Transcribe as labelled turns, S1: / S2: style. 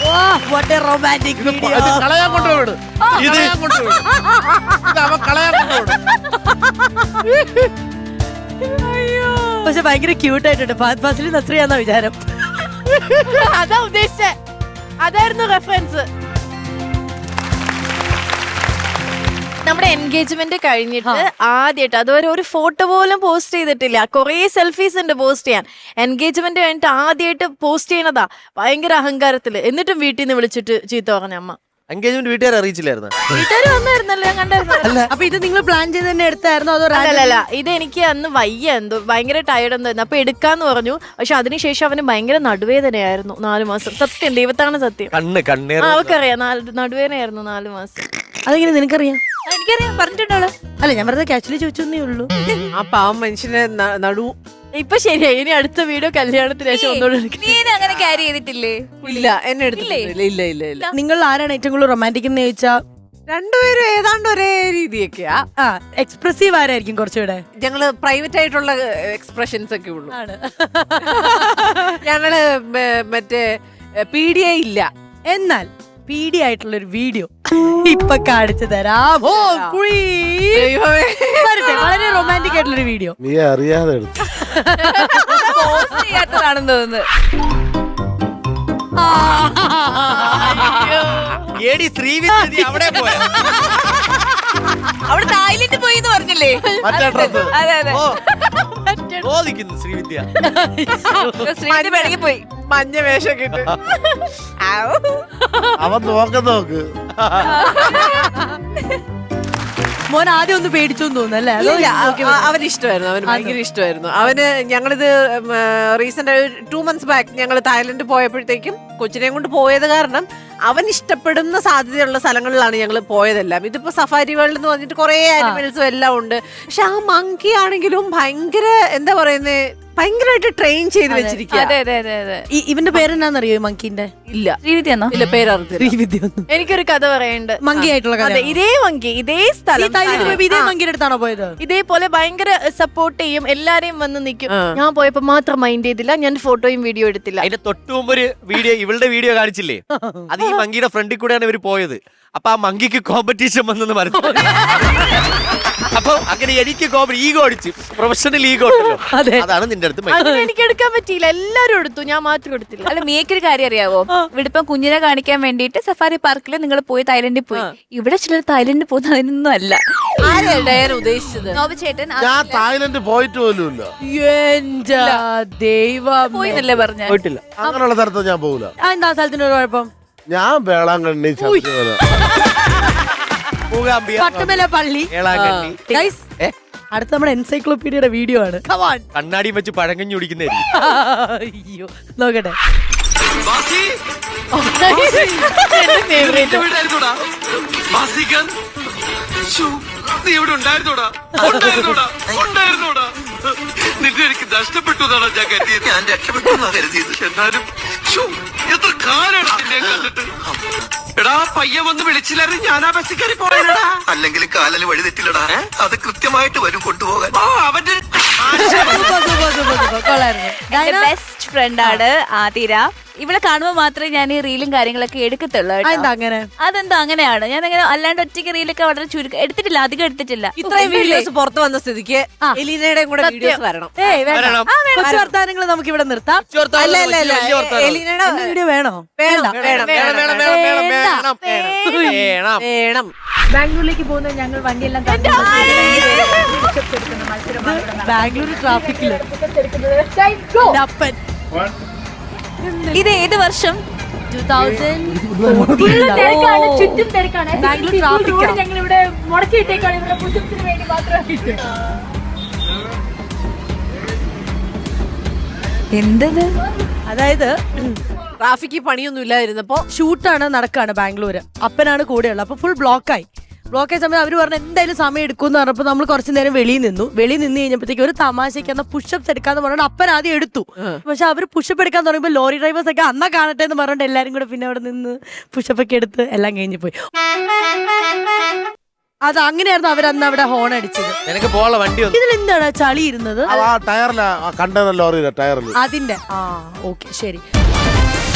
S1: What A romantic video.
S2: കളയാൻ കൊണ്ടുപോയിട്. ഇത് അവൻ കളയാൻ കൊണ്ടുപോയിട്.
S1: പക്ഷെ ഭയങ്കര ക്യൂട്ട് ആയിട്ടുണ്ട്. ഫഹദ് ഫാസിൽ നസ്രിയാന്ന വിചാരം.
S3: അതാ ഉദ്ദേശിച്ചേ, അതായിരുന്നു റെഫറൻസ്. നമ്മുടെ എൻഗേജ്മെന്റ് കഴിഞ്ഞിട്ട് ആദ്യമായിട്ട് അതുവരെ ഒരു ഫോട്ടോ പോലും പോസ്റ്റ് ചെയ്തിട്ടില്ല. കുറേ സെൽഫീസ് ഉണ്ട് പോസ്റ്റ് ചെയ്യാൻ. എൻഗേജ്മെന്റ് കഴിഞ്ഞിട്ട് ആദ്യമായിട്ട് പോസ്റ്റ് ചെയ്യണതാ ഭയങ്കര അഹങ്കാരത്തില്. എന്നിട്ടും വീട്ടിൽ നിന്ന് വിളിച്ചിട്ട് ചീത്ത പറഞ്ഞ അമ്മ.
S2: എൻഗേജ്മെന്റ് വീട്ടുകാരെ അറിയിച്ചില്ലായിരുന്നു.
S3: വീട്ടുകാർ വന്നായിരുന്നല്ലോ, ഞാൻ കണ്ടായിരുന്നു.
S1: അപ്പൊ ഇത് നിങ്ങൾ പ്ലാൻ ചെയ്ത് തന്നെ എടുത്തായിരുന്നോ അതോ?
S3: അല്ലല്ല, ഇത് എനിക്ക് അന്ന് വയ്യ, എന്തോ ഭയങ്കര ടയർഡ് എന്തായിരുന്നു. അപ്പൊ എടുക്കാന്ന് പറഞ്ഞു. പക്ഷെ അതിനുശേഷം അവന് ഭയങ്കര നടുവേദനയായിരുന്നു 4 മാസം. സത്യം, ദൈവത്താണ് സത്യം. അവക്കറിയാം, നടുവേദനയായിരുന്നു 4 മാസം.
S1: അതെങ്ങനെ നിനക്കറിയാം?
S3: എനിക്കറിയാം, പറഞ്ഞിട്ടുണ്ടോ?
S1: അല്ല, ഞാൻ വെറുതെ കാഷ്വലി ചോദിച്ചേ ഉള്ളൂ.
S4: ആ പാവം മനുഷ്യനെ നടു
S3: ഇപ്പൊ ശരിയായി. ഇനി അടുത്ത വീഡിയോ കല്യാണത്തിന് ശേഷം ഒന്നുകൂടെ
S5: അങ്ങനെ ക്യാരി ചെയ്തിട്ടില്ലേ?
S4: ഇല്ല, എന്നെ എടുത്തിട്ടില്ല. ഇല്ല ഇല്ല ഇല്ല.
S1: നിങ്ങൾ ആരാണ് ഏറ്റവും കൂടുതൽ റൊമാൻറ്റിക് എന്ന് ചോദിച്ചാ
S4: രണ്ടുപേരും ഏതാണ്ട് ഒരേ രീതിയൊക്കെയാ.
S1: എക്സ്പ്രസീവ് ആരായിരിക്കും കുറച്ചുകൂടെ?
S4: ഞങ്ങള് പ്രൈവറ്റ് ആയിട്ടുള്ള എക്സ്പ്രഷൻസ് ഒക്കെ ഉള്ളു. ഞങ്ങള് മറ്റേ പീഡിയ ഇല്ല.
S1: എന്നാൽ പീഡി ആയിട്ടുള്ള ഒരു വീഡിയോ ഇപ്പൊ കാണിച്ചു തരാം. വളരെ റൊമാൻറ്റിക് ആയിട്ടുള്ളൊരു വീഡിയോ.
S2: നീ അറിയാതെ
S5: പോസ്റ്റ് ചെയ്യാത്തതാണെന്ന് തോന്നുന്നു. അവിടെ തായ്ലൻഡ് പോയി എന്ന് പറഞ്ഞില്ലേ? അതെ അതെ,
S2: ശ്രീവിദ്യ
S5: ശ്രീവിദ്യ പിണങ്ങി പോയി.
S4: മഞ്ഞ വേഷം കിട്ടും.
S2: അവൻ നോക്ക്
S1: മോൻ ആദ്യം ഒന്ന് പേടിച്ചു തോന്നുന്നു അല്ലേ?
S4: അവന് ഇഷ്ടമായിരുന്നു, അവന് ഭയങ്കര ഇഷ്ടമായിരുന്നു. അവന് ഞങ്ങളിത് റീസെന്റ് 2 months ബാക്ക് ഞങ്ങൾ തായ്ലൻഡ് പോയപ്പോഴത്തേക്കും കൊച്ചിനെയും കൊണ്ട് പോയത് കാരണം അവൻ ഇഷ്ടപ്പെടുന്ന സാധ്യതയുള്ള സ്ഥലങ്ങളിലാണ് ഞങ്ങൾ പോയതെല്ലാം. ഇതിപ്പോ സഫാരി വേൾഡ് എന്ന് പറഞ്ഞിട്ട് കുറെ ആനിമൽസും എല്ലാം ഉണ്ട്. പക്ഷെ ആ മങ്കി ആണെങ്കിലും ഭയങ്കര എന്താ പറയുന്നേ, ഭയങ്കരമായിട്ട് ട്രെയിൻ ചെയ്ത് വെച്ചിരിക്കുക.
S5: അതെ അതെ അതെ അതെ.
S1: ഇവന്റെ പേരെന്നാന്നറിയോ മങ്കിന്റെ?
S4: ഇല്ല,
S5: ശ്രീവിദ്യന്നോ?
S4: ഇല്ല, പേരറിഞ്ഞില്ല.
S1: ശ്രീവിദ്യ ഒന്നും.
S3: എനിക്കൊരു കഥ പറയാനുണ്ട്.
S1: മങ്കി ആയിട്ടുള്ള കഥ.
S3: അതെ, ഇതേ മങ്കി, ഇതേ സ്ഥലം,
S1: ഇതേ മങ്കിയുടെ അടുത്താണോ പോയത്?
S3: ഇതേപോലെ ഭയങ്കര സപ്പോർട്ട് ചെയ്യും, എല്ലാരെയും വന്ന് നിൽക്കും. ഞാൻ പോയപ്പോ മാത്രം മൈൻഡ് ചെയ്തില്ല, ഞാൻ ഫോട്ടോയും വീഡിയോ എടുത്തില്ല.
S6: അതിന്റെ തൊട്ടു മുമ്പ് ഒരു വീഡിയോ, ഇവളുടെ വീഡിയോ കാണിച്ചില്ലേ? അത് ഈ മങ്കിയുടെ ഫ്രണ്ടിൽ കൂടെയാണ് ഇവര് പോയത്. അപ്പൊ ആ മങ്കിക്ക് കോമ്പറ്റീഷൻ വന്നെന്ന് പറഞ്ഞു. അപ്പൊ അങ്ങനെ എനിക്ക് ഈഗോ അടിച്ചു, പ്രൊഫഷണൽ ഈഗോ ഉണ്ടല്ലോ, അതാണ് നിന്റെ അടുത്ത്.
S3: എനിക്ക് എടുക്കാൻ പറ്റിയില്ല, എല്ലാരും എടുത്തു, ഞാൻ മാത്രം എടുത്തില്ല.
S5: അല്ല, മിയക്കൊരു കാര്യം അറിയാവോ? ഇവിടെ ഇപ്പം കുഞ്ഞിനെ കാണിക്കാൻ വേണ്ടിട്ട് സഫാരി പാർക്കിൽ നിങ്ങൾ പോയി തായ്ലൻഡിൽ പോയി. ഇവിടെ ചിലർ തായ്ലൻഡിൽ പോകുന്ന അതിനൊന്നും അല്ല.
S4: ആരാണ് ഉദ്ദേശിച്ചത്?
S5: ചേട്ടൻ
S2: ഞാൻ തായ്ലൻഡ് പോയിട്ട് പോലുമില്ല.
S1: എന്റെ ദൈവം,
S5: പോയിന്നല്ലേ പറഞ്ഞ?
S6: പോയിട്ടില്ല,
S2: അങ്ങനെയുള്ള സ്ഥലത്ത് ഞാൻ പോകില്ല.
S1: എന്താ സ്ഥലത്തിന് ഒരു കുഴപ്പം?
S2: ഞാൻ വേളാങ്കണ്ണി, ശബരിമല,
S1: പട്ടുമല പള്ളി. Guys, അടുത്ത നമ്മുടെ എൻസൈക്ലോപീഡിയയുടെ വീഡിയോ ആണ്.
S6: കണ്ണാടി വെച്ച് പഴങ്കഞ്ഞി കുടിക്കുന്നതായിരിക്കും.
S1: അയ്യോ, നോക്കട്ടെ.
S7: നീ ഇവിടെ ഉണ്ടായിരുന്നോടാ? നിന്നെ എനിക്ക് നഷ്ടപ്പെട്ടു എന്നാണ് ഞാൻ കരുതിയത്. ഞാൻ രക്ഷപ്പെട്ടു കരുതിയത്. എന്നാലും എത്ര കാലാണ് നിന്നെ കണ്ടിട്ട്. എടാ, പയ്യ വന്ന് വിളിച്ചില്ലായിരുന്നു, ഞാൻ ആ ബസ്സിൽ കയറി പോയടാ. അല്ലെങ്കിൽ കാലിന് വഴി തെറ്റില്ലടാ, അത് കൃത്യമായിട്ട് വരും കൊണ്ടുപോകാൻ. അവന്റെ
S5: ബെസ്റ്റ് ഫ്രണ്ടാണ് ആതിര. ഇവിടെ കാണുമ്പോൾ മാത്രമേ ഞാൻ ഈ റീലും കാര്യങ്ങളൊക്കെ എടുക്കത്തുള്ളൂ. അതെന്താ അങ്ങനെയാണ്? ഞാൻ അങ്ങനെ അല്ലാണ്ട് ഒറ്റയ്ക്ക് റീലൊക്കെ വളരെ ചുരുക്കം എടുത്തിട്ടില്ല, അധികം എടുത്തിട്ടില്ല.
S4: ഇത്രയും വീഡിയോസ് പുറത്തു വന്ന സ്ഥിതിക്ക് എലീനയുടെയും കൂടെ വീഡിയോസ് വരണം.
S1: കുറച്ച് വർത്താനങ്ങൾ നമുക്ക് ഇവിടെ നിർത്താം.
S4: അല്ല അല്ല അല്ല, എലീനയുടെ
S1: വീഡിയോ വേണോ?
S4: വേണം വേണം വേണം.
S5: ബാംഗ്ലൂരിലേക്ക് പോകുന്നത് ഞങ്ങൾ വണ്ടിയെല്ലാം
S1: ബാംഗ്ലൂർ ട്രാഫിക്കില്.
S5: ഇത് ഏത് വർഷം?
S1: 2014.
S5: ചുറ്റും തിരക്കാണ്.
S1: ബാംഗ്ലൂർ ട്രാഫിക്
S5: ഞങ്ങൾ ഇവിടെ മുടക്കിയിട്ടേക്കാണ്, ഇവിടെ പുതുപ്പിന് വേണ്ടി മാത്രമായിട്ട്. എന്തത്?
S1: അതായത്
S4: ട്രാഫിക്ക് പണിയൊന്നും ഇല്ലായിരുന്നപ്പോ
S1: ഷൂട്ടാണ് നടക്കാണ് ബാംഗ്ലൂര്. അപ്പനാണ് കൂടെയുള്ളത്. അപ്പൊ ഫുൾ ബ്ലോക്കായി സമയത്ത് അവര് പറഞ്ഞു എന്തായാലും സമയം എടുക്കുമെന്ന് പറഞ്ഞപ്പോ നമ്മൾ കുറച്ചു നേരം വെളിയിൽ നിന്ന് കഴിഞ്ഞപ്പോഴത്തേക്ക് ഒരു തമാശയ്ക്ക് എന്നാ പുഷപ്സ് എടുക്കാന്ന് പറഞ്ഞാൽ അപ്പൻ ആദ്യം എടുത്തു. പക്ഷെ അവര് പുഷപ്പ് എടുക്കാൻ തുടങ്ങിയപ്പോ ലോറി ഡ്രൈവേഴ്സ് ഒക്കെ അന്നാ കാണട്ടെ എന്ന് പറഞ്ഞിട്ട് എല്ലാരും കൂടെ പിന്നെ അവിടെ നിന്ന് പുഷപ്പ് ഒക്കെ എടുത്ത് എല്ലാം കഴിഞ്ഞു പോയി. അത് അങ്ങനെയായിരുന്നു അവരന്ന് അവിടെ ഹോൺ അടിച്ചത്. ഇതിലെന്താണ് ചളി ഇരുന്നത്?
S2: ടയറില കണ്ടെയ്നർ ലോറിയിലെ ടയറിൽ.
S1: അതിന്റെ ഓക്കെ ശരി.